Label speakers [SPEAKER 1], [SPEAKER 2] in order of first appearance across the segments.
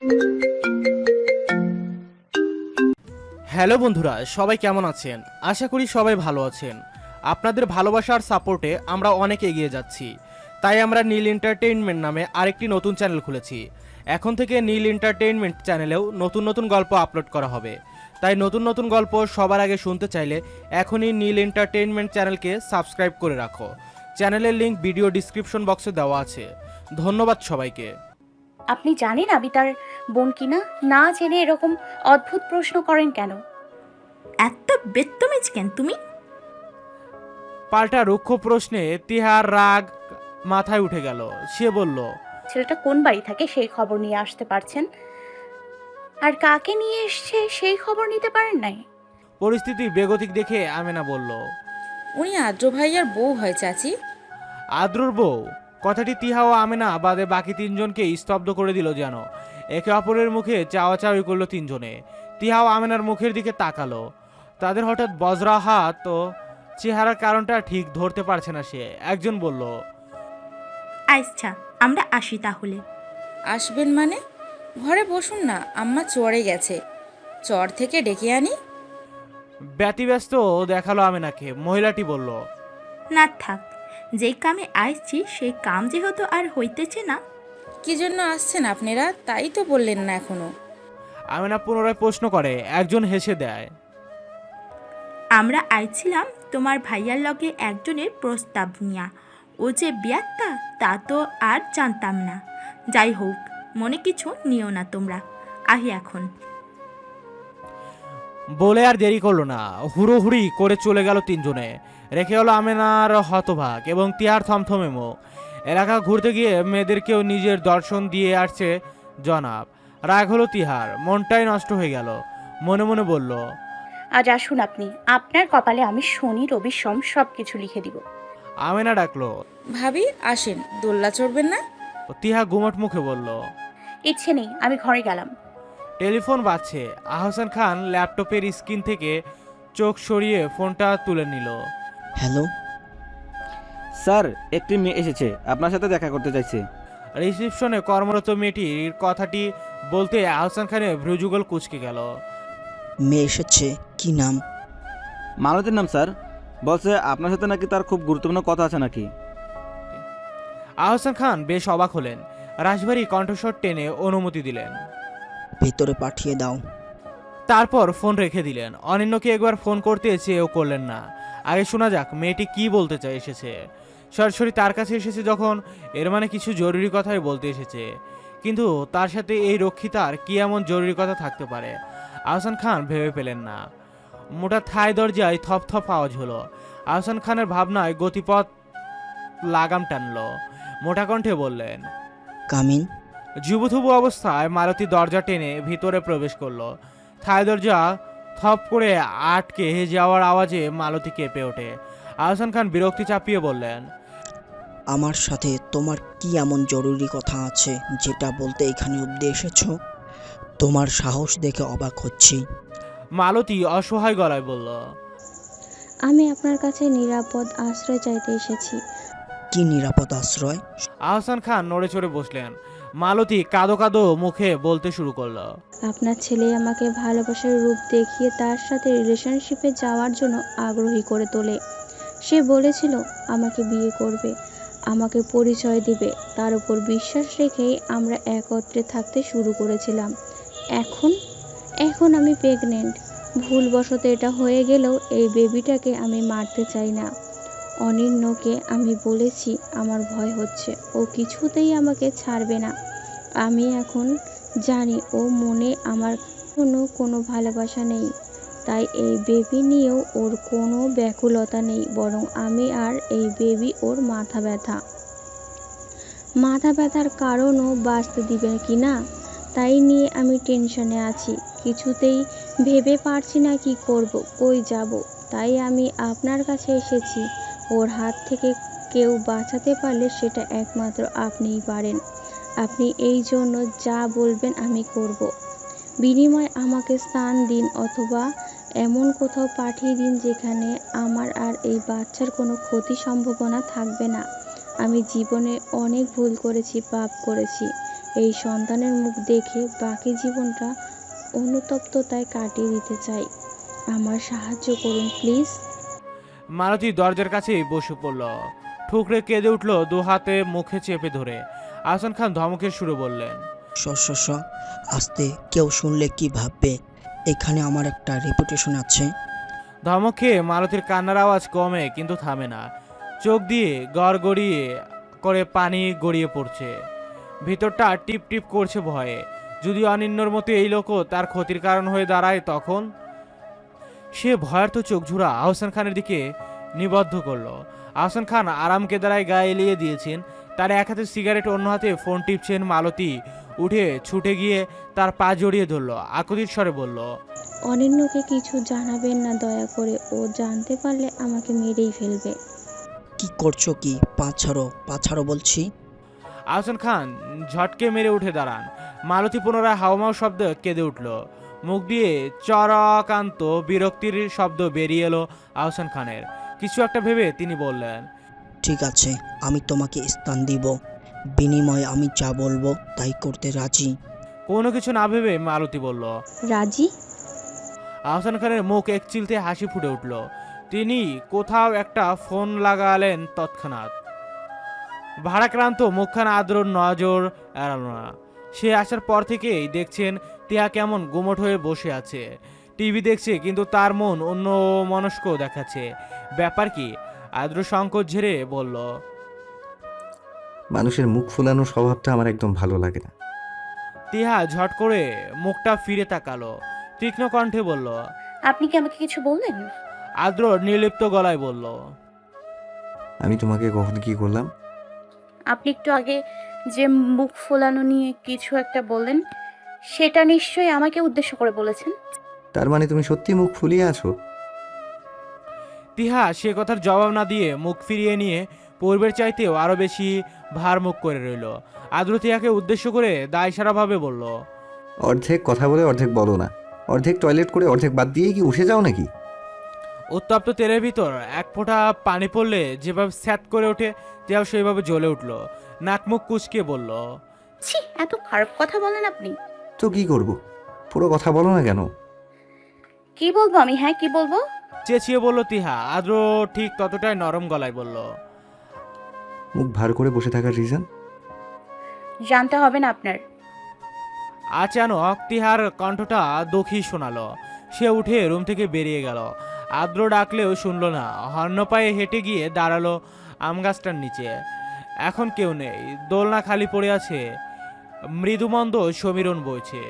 [SPEAKER 1] Hello বন্ধুরা, সবাই কেমন আছেন? আশা করি সবাই ভালো আছেন। আপনাদের ভালোবাসার সাপোর্টে আমরা অনেক এগিয়ে যাচ্ছি। তাই আমরা নীল এন্টারটেইনমেন্ট নামে আরেকটি নতুন চ্যানেল খুলেছি। এখন থেকে নীল এন্টারটেইনমেন্ট চ্যানেলেও নতুন নতুন গল্প আপলোড করা হবে। তাই নতুন নতুন গল্প সবার আগে শুনতে চাইলে এখনই নীল এন্টারটেইনমেন্ট চ্যানেলকে সাবস্ক্রাইব করে রাখো। চ্যানেলের লিংক ভিডিও ডিসক্রিপশন বক্সে দেওয়া আছে। ধন্যবাদ সবাইকে।
[SPEAKER 2] আপনি জানেন আমি তার বোন কিনা? না জেনে এরকম অদ্ভুত প্রশ্ন করেন কেন?
[SPEAKER 3] এত বেত্তমিজ কেন তুমি?
[SPEAKER 1] পাল্টা রুক্ষ প্রশ্নে তিহার রাগ মাথায় উঠে গেল। সে বলল,
[SPEAKER 2] ছেলেটা কোন বাড়ি থাকে সেই খবর নিয়ে আসতে পারছেন, আর কাকে নিয়ে এসছে সেই খবর নিতে পারেন নাই?
[SPEAKER 1] পরিস্থিতি বেগতিক দেখে আমেনা বলল,
[SPEAKER 4] উনি আদ্র ভাইয়ার বউ হয় চাচি।
[SPEAKER 1] আদ্রুর বউ? কথাটি তিহা ও আমেনা বাদে বাকি তিনজনকে স্তব্ধ করে দিল যেন। একে অপরের মুখে চাওয়াচাওয়ি করলো তিনজনে। তিহা ও আমেনার মুখের দিকে তাকালো। তাদের হঠাৎ বজ্রা হাত ও চেহারার কারণটা ঠিক ধরতে পারছে না সে। একজন বলল,
[SPEAKER 3] আচ্ছা, আমরা আসি তাহলে।
[SPEAKER 4] আসবেন মানে? ঘরে বসুন না, আম্মা চড়ে গেছে, চর থেকে ডেকে আনি।
[SPEAKER 1] ব্যতিব্যস্ত দেখালো আমেনাকে। মহিলাটি বলল,
[SPEAKER 3] না থাক, যেই কামে আসছি সেই কাম যেহেতু আর হইতেছে না।
[SPEAKER 4] কি জন্য আসছেন আপনারা তাই তো বললেন না এখনো।
[SPEAKER 1] আমেনা পুনরায় প্রশ্ন করে। একজন হেসে দেয়,
[SPEAKER 3] আমরা আইছিলাম তোমার ভাইয়ার লগে একজনের প্রস্তাব নিয়া। ও যে বিয়াত্তা তা তো আর জানতাম না। যাই হোক, মনে কিছু নিও না তোমরা। আহি এখন।
[SPEAKER 1] বলে আর দেরি করলো না, হুড়োহুড়ি করে চলে গেল তিনজনে। রেখে হলো আমেনার হতভাগ এবং তিয়ার থমথমে মুখ। এলাকা ঘুরতে গিয়ে মেয়েদেরকেও নিজের দর্শন দিয়ে আসছে জনাব। রাগ হলো তিহার, মনটাই নষ্ট হয়ে গেল। মনে মনে বলল,
[SPEAKER 2] আজ আসুন আপনি, আপনার কপালে আমি শনি রবি সোম সব কিছু লিখে দিব।
[SPEAKER 1] আমেনা ডাকলো।
[SPEAKER 4] ভাবি আসেন, দোল্লা চড়বেন না?
[SPEAKER 1] তিহা গুমট মুখে বলল।
[SPEAKER 2] ইচ্ছে নেই, আমি ঘরে গেলাম।
[SPEAKER 1] টেলিফোন বাজছে। আহসান খান ল্যাপটপের স্ক্রিন থেকে চোখ সরিয়ে ফোনটা তুলে নিল।
[SPEAKER 5] হ্যালো
[SPEAKER 6] স্যার, একটি মেয়ে এসেছে, আপনার সাথে দেখা করতে চাইছে।
[SPEAKER 1] রিসিপশনে কর্মরত মেয়েটির কথাটি বলতে আহসান খানের ভ্রুযুগল কুঁচকে গেল।
[SPEAKER 5] মেয়ে এসেছে, কি নাম?
[SPEAKER 6] মালতীর নাম স্যার। বলছে আপনার সাথে নাকি তার খুব গুরুত্বপূর্ণ কথা আছে নাকি।
[SPEAKER 1] আহসান খান বেশ অবাক হলেন। রাশভারী কণ্ঠস্বর টেনে অনুমতি দিলেন।
[SPEAKER 5] ভেতরে পাঠিয়ে দাও।
[SPEAKER 1] তারপর ফোন রেখে দিলেন। অনিন্যকে একবার ফোন করতে চেয়েও করলেন না। আগে শোনা যাক মেয়েটি কি বলতে চাই এসেছে। সরাসরি তার কাছে এসেছে যখন, এর মানে কিছু জরুরি কথাই বলতে এসেছে। কিন্তু তার সাথে এই রক্ষিতার কি এমন জরুরি কথা থাকতে পারে? আহসান খান ভেবে পেলেন না। মোটা থাই দরজায় থপ থপ আওয়াজ হলো। আহসান খানের ভাবনায় গতিপথ লাগাম টানলো। মোটা কণ্ঠে বললেন,
[SPEAKER 5] কামিন।
[SPEAKER 1] যুবথুবু অবস্থায় মালতী দরজা টেনে ভিতরে প্রবেশ করলো। থাই দরজা থপ করে আটকে যাওয়ার আওয়াজে মালতী কেঁপে ওঠে। আহসান খান বিরক্তি চাপিয়ে বললেন,
[SPEAKER 5] আমার সাথে তোমার কি এমন জরুরি কথা আছে যেটা বলতে এখানে অব্দি এসেছো? তোমার সাহস দেখে অবাক হচ্ছি।
[SPEAKER 1] মালতী অসহায় গলায় বলল,
[SPEAKER 7] আমি আপনার কাছে নিরাপদ আশ্রয় চাইতে এসেছি।
[SPEAKER 5] কি নিরাপদ আশ্রয়?
[SPEAKER 1] আহসান খান নড়ে চড়ে বসলেন। মালতী কাঁদো কাঁদো মুখে বলতে শুরু করলো,
[SPEAKER 7] আপনার ছেলে আমাকে ভালোবাসার রূপ দেখিয়ে তার সাথে রিলেশনশিপে যাওয়ার জন্য আগ্রহী করে তোলে। সে বলেছিল আমাকে বিয়ে করবে, আমাকে পরিচয় দিবে। তার উপর বিশ্বাস রেখেই আমরা একত্রে থাকতে শুরু করেছিলাম। এখন এখন আমি প্রেগনেন্ট। ভুলবশত এটা হয়ে গেলেও এই বেবিটাকে আমি মারতে চাই না। অনিন্যকে আমি বলেছি আমার ভয় হচ্ছে, ও কিছুতেই আমাকে ছাড়বে না। আমি এখন জানি ও মনে আমার কোনো ভালোবাসা নেই, তাই এই বেবি নিয়েও ওর কোনো ব্যাকুলতা নেই, বরং আমি আর এই বেবি ওর মাথা ব্যথার কারণও বাঁচতে দিবে কি না তাই নিয়ে আমি টেনশনে আছি। কিছুতেই ভেবে পারছি না কি করব, কই যাব। তাই আমি আপনার কাছে এসেছি। ওর হাত থেকে কেউ বাঁচাতে পারলে সেটা একমাত্র আপনিই পারেন। আপনি এই জন্য যা বলবেন আমি করব। বিনিময়ে আমাকে স্থান দিন, অথবা এমন কোথাও পাঠিয়ে দিন যেখানে আমার আর এই বাচ্চার কোনো ক্ষতি সম্ভাবনা থাকবে না। আমি জীবনে অনেক ভুল করেছি, পাপ করেছি, এই সন্তানের মুখ দেখে বাকি জীবনটা অনুতপ্ততায় কাটিয়ে দিতে চাই। আমার সাহায্য করুন প্লিজ।
[SPEAKER 1] মালতী দরজার কাছেই বসে পড়ল, ঠুকরে কেঁদে উঠল, দু হাতে মুখে চেপে ধরে। আহসান খান ধমকের সুরে বললেন,
[SPEAKER 5] শ আস্তে, কেউ শুনলে কি ভাববে? এখানে আমার একটা রেপুটেশন আছে।
[SPEAKER 1] ধমক খেয়ে মালতীর কান্নার আওয়াজ কমে কিন্তু থামে না। চোখ দিয়ে গড়গড়িয়ে করে পানি গড়িয়ে পড়ছে, ভিতরটা টিপ টিপ করছে ভয়ে। যদি অনিন্যর মতো এই লোকও তার ক্ষতির কারণ হয়ে দাঁড়ায় তখন? সে ভয়ার্থ চোখ ঝুরা আহসান খানের দিকে নিবদ্ধ করলো। আহসান খান আরাম কেদারায় গায়ে এলিয়ে দিয়েছেন, তার এক হাতে সিগারেট, অন্য হাতে ফোন টিপছেন। মালতী উঠে ছুটে গিয়ে তার পা জড়িয়ে ধরলো, আকুতির স্বরে বলল,
[SPEAKER 7] অনিন্যকে কিছু জানাবেন না দয়া করে, ও জানতে পারলে আমাকে মেরেই ফেলবে।
[SPEAKER 5] কি করছো কি? পা ছাড়ো বলছি।
[SPEAKER 1] আহসান খান ঝটকে মেরে উঠে দাঁড়ান। মালতী পুনরায় হাওমাও শব্দ কেঁদে উঠল, মুখ দিয়ে চরকান্ত বিরক্তির শব্দ বেরিয়ে এলো আহসান খানের। কিছু একটা ভেবে তিনি বললেন,
[SPEAKER 5] ঠিক আছে, আমি তোমাকে স্থান দিব, বিনিময়ে আমি যা বলবো তাই করতে রাজি।
[SPEAKER 1] কোনো কিছু না ভেবে মালতী বলল।
[SPEAKER 7] রাজি?
[SPEAKER 1] আহসান খানের মুখ এক চিলতে হাসি ফুটে উঠল। তিনি কোথাও একটা ফোন লাগালেন তৎক্ষণাৎ। ভাড়াক্রান্ত মুখখানা আদ্রর নজর এড়াল না। সে আসার পর থেকেই দেখছেন টিয়া কেমন গুমট হয়ে বসে আছে, টিভি দেখছে, কিন্তু তার মন অন্য মনস্ক দেখাচ্ছে। ব্যাপার কি? আদ্র সংকোচ ঝেড়ে বলল,
[SPEAKER 8] মানুষের মুখ ফুলানো স্বভাবটা আমার একদম ভালো লাগে না।
[SPEAKER 1] টিহা ঝট করে মুখটা ফিরে তাকালো, তীক্ষ্ণ কণ্ঠে বলল,
[SPEAKER 2] আপনি কি আমাকে কিছু বললেন?
[SPEAKER 1] আদ্র নির্লিপ্ত গলায় বলল,
[SPEAKER 8] আমি তোমাকে কখন কি করলাম?
[SPEAKER 2] আপনি একটু আগে যে মুখ ফোলানো নিয়ে কিছু একটা বললেন, সেটা নিশ্চয়ই আমাকে উদ্দেশ্য করে বলেছেন।
[SPEAKER 8] তার মানে তুমি সত্যি মুখ ফুলিয়ে আছো?
[SPEAKER 1] তিহা সে কথার জবাব না দিয়ে মুখ ফিরিয়ে নিয়ে পূর্বের চাইতেও আরো বেশি ভার মুখ করে রইল। আদ্র তিয়াকে উদ্দেশ্য করে দায়সারাভাবে বলল,
[SPEAKER 8] অর্ধেক কথা বলে অর্ধেক বলো না, অর্ধেক টয়লেট করে অর্ধেক বাদ দিয়ে কি উঠে যাও নাকি?
[SPEAKER 1] উত্তপ্ত তেলের ভিতর এক ফোঁটা পানি পড়লে যেভাবে স্যাত করে ওঠে, তিয়াও সেইভাবে জ্বলে উঠল। নাক মুখ কুচকে বলল,
[SPEAKER 2] ছি, এত খারাপ কথা বলেন আপনি।
[SPEAKER 8] তো কি করব? পুরো কথা বলো না কেন?
[SPEAKER 2] কি বলবো আমি? হ্যাঁ, কি বলবো?
[SPEAKER 1] চেঁচিয়ে বলল তিহা। আদ্র ঠিক ততটাই নরম গলায় বলল,
[SPEAKER 8] মুখ ভার করে বসে থাকার রিজন?
[SPEAKER 2] জানতে হবে না আপনার।
[SPEAKER 1] আচানক তিহার কণ্ঠটা দখি শোনালো। সে উঠে রুম থেকে বেরিয়ে গেল। আদ্র ডাকলেও শুনল না। হর্ন পায়ে হেঁটে গিয়ে দাঁড়ালো আম গাছটার নিচে। এখন কেউ নেই, দোলনা খালি পড়ে আছে, মৃদুমন্দ সমীরণ বইছে।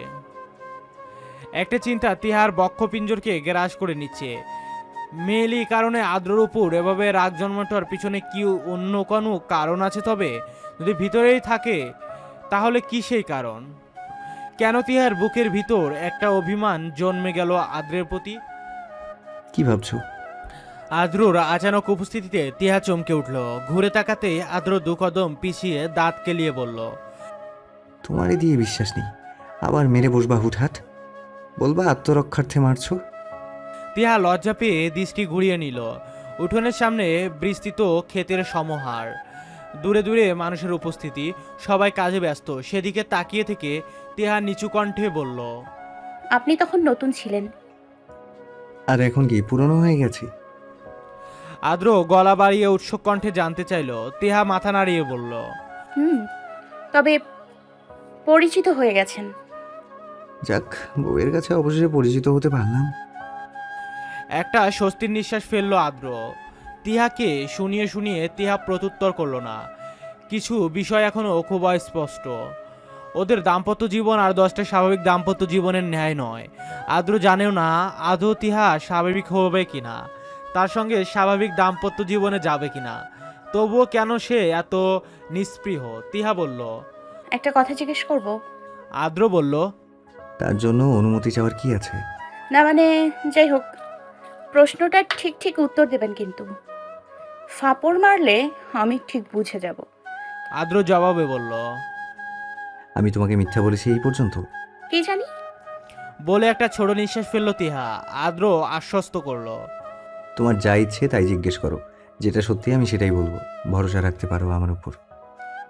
[SPEAKER 1] একটা চিন্তা তিহার বক্ষপিঞ্জরকে গ্রাস করে নিচ্ছে। মেয়েলি কারণে আদ্রর উপর এভাবে রাগ জন্মানোর পিছনে কি অন্য কোনো কারণ আছে? তবে যদি ভিতরেই থাকে তাহলে কি সেই কারণ? কেন তিহার বুকের ভিতর একটা অভিমান জন্মে গেল আদ্রের প্রতি?
[SPEAKER 8] কি ভাবছো?
[SPEAKER 1] আদ্রর আচানক উপস্থিতিতে তিহা চমকে উঠল। ঘুরে তাকাতে আদ্র দু কদম পিছিয়ে দাঁত কেলিয়ে বলল,
[SPEAKER 8] তোমারই দিয়ে বিশ্বাস নেই, আবার মেরে বসবা হুটহাট? বলবা আত্মরক্ষার্থে মারছো?
[SPEAKER 1] তিহা লজ্জা পেয়ে দৃষ্টি ঘুরিয়ে নিল। উঠোনের সামনে বিস্তৃত ক্ষেতের সমাহার, দূরে দূরে মানুষের উপস্থিতি, সবাই কাজে ব্যস্ত। সেদিকে তাকিয়ে থেকে তিহা নিচু কণ্ঠে বলল,
[SPEAKER 2] আপনি তখন নতুন ছিলেন।
[SPEAKER 8] আর এখন কি পুরনো হয়ে গেছে?
[SPEAKER 1] আদ্র গলা বাড়িয়ে উৎসুক কণ্ঠে জানতে চাইল। তিহা মাথা নাড়িয়ে বলল,
[SPEAKER 2] তবে পরিচিত হয়ে গেছেন।
[SPEAKER 8] যাক, বউয়ের কাছে অবশেষে পরিচিত হতে পারলাম।
[SPEAKER 1] একটা স্বস্তির নিঃশ্বাস ফেললো আদ্র। তিহাকে শুনিয়ে শুনিয়ে তিহা প্রত্যুত্তর করলো না। কিছু বিষয় এখনো খুব স্পষ্ট। ওদের দাম্পত্য জীবন আর 10টা স্বাভাবিক দাম্পত্য জীবনের ন্যায় নয়। আদ্র জানেও না আদৌ তিহা স্বাভাবিক হবে কিনা, তার সঙ্গে স্বাভাবিক দাম্পত্য জীবনে যাবে কিনা। তবুও কেন সে এত নিস্পৃহ? তিহা বলল,
[SPEAKER 2] একটা কথা জিজ্ঞেস করব?
[SPEAKER 1] আদ্র বলল,
[SPEAKER 8] তার জন্য অনুমতি চাওয়ার কি আছে?
[SPEAKER 2] না মানে, যাই হোক, প্রশ্নটা ঠিক ঠিক উত্তর দেবেন কিন্তু। ফাপড় মারলে আমি ঠিক বুঝে যাব।
[SPEAKER 1] আদ্র জবাবে বলল,
[SPEAKER 8] আমি তোমাকে মিথ্যা বলেছি এই পর্যন্ত?
[SPEAKER 2] কি জানি।
[SPEAKER 1] বলে একটা ছোট নিঃশ্বাস ফেললো তিহা। আদ্র আশ্বস্ত করলো,
[SPEAKER 8] তোমার যা ইচ্ছে তাই জিজ্ঞেস করো, যেটা সত্যি আমি সেটাই বলবো, ভরসা রাখতে পারো আমার উপর।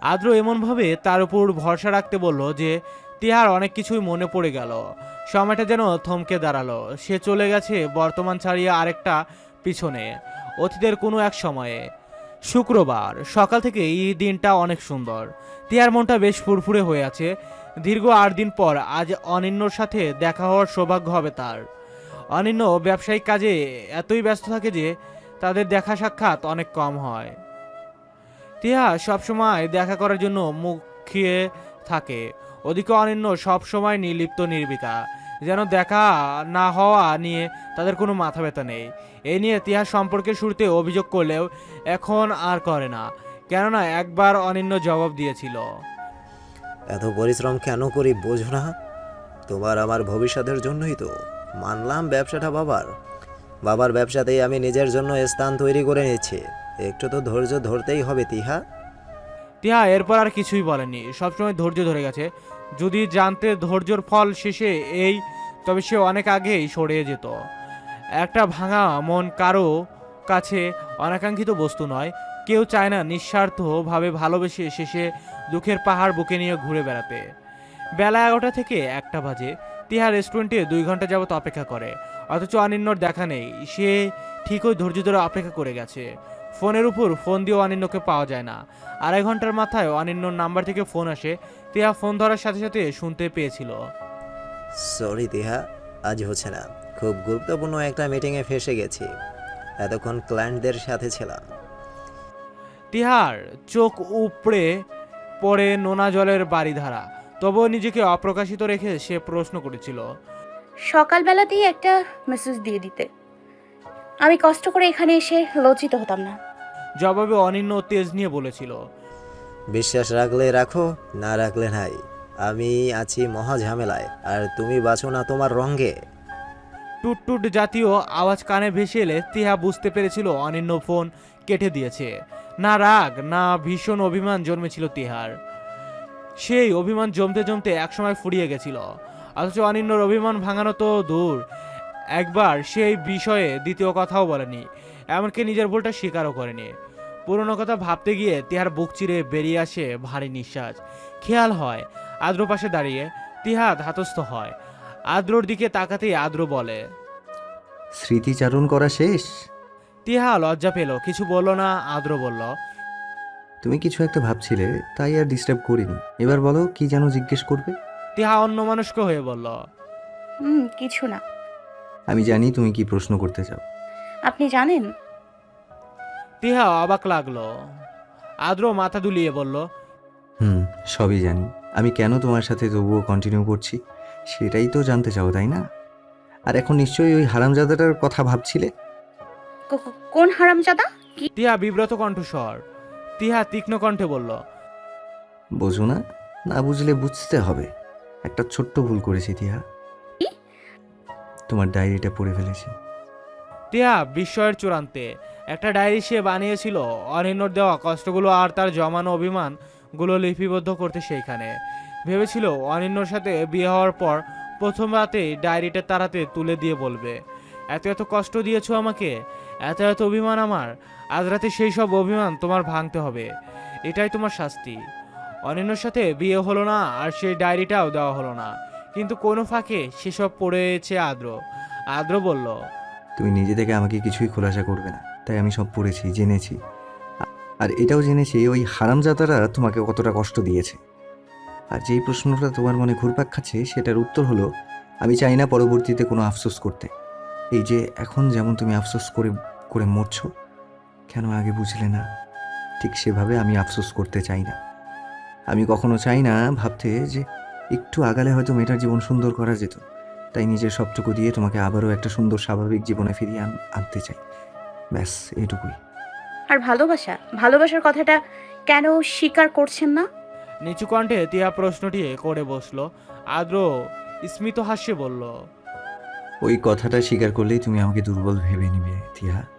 [SPEAKER 1] আদ্র এমনভাবে তার উপর ভরসা রাখতে বলল যে টিহার অনেক কিছুই মনে পড়ে গেল। সময়টা যেন থমকে দাঁড়ালো। সে চলে গেছে বর্তমান ছাড়িয়ে আরেকটা পিছনে, অতীতের কোনো এক সময়ে। শুক্রবার সকাল থেকে এই দিনটা অনেক সুন্দর। টিহার মনটা বেশ ফুরফুরে হয়ে আছে। দীর্ঘ 8 দিন পর আজ অনিন্যর সাথে দেখা হওয়ার সৌভাগ্য হবে তার। অনিন্য ব্যবসায়িক কাজে এতই ব্যস্ত থাকে যে তাদের দেখা সাক্ষাৎ অনেক কম হয়। টিহা সবসময় দেখা করার জন্য মুখিয়ে থাকে, ওদিকে অনিন্য সবসময় নির্লিপ্ত নির্বিকা, যেন দেখা না হওয়া নিয়ে তাদের কোনো মাথা ব্যথা নেই। এই নিয়ে টিহা সম্পর্কের শুরুতে অভিযোগ করলেও এখন আর করে না, কেননা একবার অনিন্য জবাব দিয়েছিল।
[SPEAKER 9] এত পরিশ্রম কেন করি বোঝো না? তোমার আমার ভবিষ্যতের জন্যই তো। মানলাম ব্যবসাটা বাবার ব্যবসাতেই আমি নিজের জন্য স্থান তৈরি করে নিচ্ছি। একটু তো ধৈর্য ধরতেই হবে তিহা।
[SPEAKER 1] টিহা এরপর আর কিছুই বলেনি, সবসময় ধৈর্য ধরে গেছে। যদি জানতে ধৈর্যর ফল শেষে এই, তবে সে অনেক আগেই সরে যেত। একটা ভাঙা মন কারো কাছে অনাকাঙ্ক্ষিত বস্তু নয়। কেউ চায় না নিঃস্বার্থভাবে ভালোবেসে শেষে দুঃখের পাহাড় বুকে নিয়ে ঘুরে বেড়াতে। বেলা 11টা থেকে 1টা বাজে। টিহা রেস্টুরেন্টে 2 ঘন্টা যাবত অপেক্ষা করে, অথচ অনিন্যর দেখা নেই। সে ঠিকই ধৈর্য ধরে অপেক্ষা করে গেছে। ফোনের উপর ফোন দিয়েও অনিন্যকে পাওয়া যায় না। 2.5 ঘন্টার মাথায় অনিন্যর নাম্বার থেকে ফোন আসে। টিহা ফোন ধরার সাথে সাথে শুনতে পেয়েছিল,
[SPEAKER 9] সরি তিহা, আজ হচ্ছে না। খুব গুরুত্বপূর্ণ একটা মিটিংয়ে ফেসে গেছি। এতক্ষণ ক্লায়েন্টদের সাথে ছিলাম।
[SPEAKER 1] টিহার চোখ উপড়ে পড়ে নোনা জলের বাড়িধারা। তবুও নিজেকে অপ্রকাশিত রেখে সে প্রশ্ন করেছিল,
[SPEAKER 2] সকালবেলাতেই একটা মেসেজ দিয়ে দিতে, আমি কষ্ট করে এখানে এসে লজ্জিত হতাম না।
[SPEAKER 1] জবাবে অনিন্য তেজ নিয়ে বলেছিল,
[SPEAKER 9] বিশ্বাস রাখলে রাখো, না রাখলে নাই। আমি আছি মহা ঝামেলায়, আর তুমি বাঁচো না তোমার রঙে।
[SPEAKER 1] টুটটুট জাতীয় আওয়াজ কানে ভেসে এলে টিহা বুঝতে পেরেছিল অনিন্য ফোন কেটে দিয়েছে। না রাগ না ভীষণ অভিমান জন্মেছিল টিহার। সেই অভিমান জমতে জমতে একসময় ফুরিয়ে গেছিল। অথচ অনিন্যর অভিমান ভাঙানো তো দূর, একবার সেই বিষয়ে দ্বিতীয় কথাও বলেনি, এমনকি নিজের ভুলটা স্বীকারও করেনি। পুরনো কথা ভাবতে গিয়ে টিহার বুক চিরে বেরিয়ে আসে ভারী নিঃশ্বাস। খেয়াল হয় আদ্র পাশে দাঁড়িয়ে। টিহা ধাতস্থ হয়। আদ্রর দিকে তাকাতেই আদ্র বলে,
[SPEAKER 8] স্মৃতিচারণ করা শেষ?
[SPEAKER 1] টিহা লজ্জা পেল, কিছু বলল না। আদ্র বলল,
[SPEAKER 8] তুমি কিছু একটা ভাবছিলে, তাই আর ডিস্টার্ব করিনি। এবার বলো, কি যেন জিজ্ঞেস করবে?
[SPEAKER 1] টিহা অন্যমনস্ক হয়ে বলল,
[SPEAKER 2] কিছু না।
[SPEAKER 8] আমি জানি তুমি কি প্রশ্ন করতে চাও।
[SPEAKER 2] আপনি জানেন?
[SPEAKER 1] টিহা অবাক লাগলো। আদ্র মাথা দুলিয়ে বলল,
[SPEAKER 8] সবই জানি। আমি কেন তোমার সাথে তবুও কন্টিনিউ করছি সেটাই তো জানতে চাও, তাই না? আর এখন নিশ্চয়ই ওই হারামজাদাটার কথা ভাবছিলে।
[SPEAKER 2] কোন হারামজাদা?
[SPEAKER 1] টিহা বিব্রত কণ্ঠস্বর। টিহা তীক্ষ্ণ কণ্ঠে বলল,
[SPEAKER 8] বোঝো না? না বুঝলে বুঝতে হবে। একটা ছোট্ট ভুল করেছি টিহা।
[SPEAKER 2] কি?
[SPEAKER 8] তোমার ডায়েরিটা পড়ে ফেলেছি।
[SPEAKER 1] টিহা বিস্ময়ের চূড়ান্তে। একটা ডায়েরি সে বানিয়েছিল অনিন্যর দেওয়া কষ্টগুলো আর তার জমানো অভিমানগুলো লিপিবদ্ধ করতে। সেইখানে ভেবেছিল অনিন্যর সাথে বিয়ে হওয়ার পর প্রথম রাতেই ডায়েরিটা তার হাতে তুলে দিয়ে বলবে, এত এত কষ্ট দিয়েছো আমাকে, এত এত অভিমান আমার, আজ রাতে সেই সব অভিমান তোমার ভাঙতে হবে, এটাই তোমার শাস্তি। অনিন্যর সাথে বিয়ে হলো না, আর সেই ডায়েরিটাও দেওয়া হলো না, কিন্তু কোনো ফাঁকে সেসব পড়েছে আদ্র। আদ্র বলল,
[SPEAKER 8] তুমি নিজে থেকে আমাকে কিছুই খোলাসা করবে না, তাই আমি সব পড়েছি, জেনেছি। আর এটাও জেনেছি ওই হারামজাদারা তোমাকে কতটা কষ্ট দিয়েছে। আর যেই প্রশ্নটা তোমার মনে ঘুরপাক খাচ্ছে সেটার উত্তর হলো, আমি চাই না পরবর্তীতে কোনো আফসোস করতে। এই যে এখন যেমন তুমি আফসোস করে করে মরছো, কেন আগে বুঝলে না? ঠিক সেভাবে আমি আফসোস করতে চাই না। আমি কখনো চাই না ভাবতে যে একটু আগালে হয়তো মেয়েটার জীবন সুন্দর করা যেত। তাই নিজের সবটুকু দিয়ে তোমাকে আবারও একটা সুন্দর স্বাভাবিক জীবনে ফিরিয়ে আনতে চাই। ব্যাস এইটুকুই।
[SPEAKER 2] আর ভালোবাসার কথাটা কেন স্বীকার করছেন না?
[SPEAKER 1] নিচু কণ্ঠে টিহা প্রশ্নটি করে বসলো। আদ্র স্মিত হাস্যে বলল,
[SPEAKER 8] ওই কথাটা স্বীকার করলেই তুমি আমাকে দুর্বল ভেবে নিবে টিহা।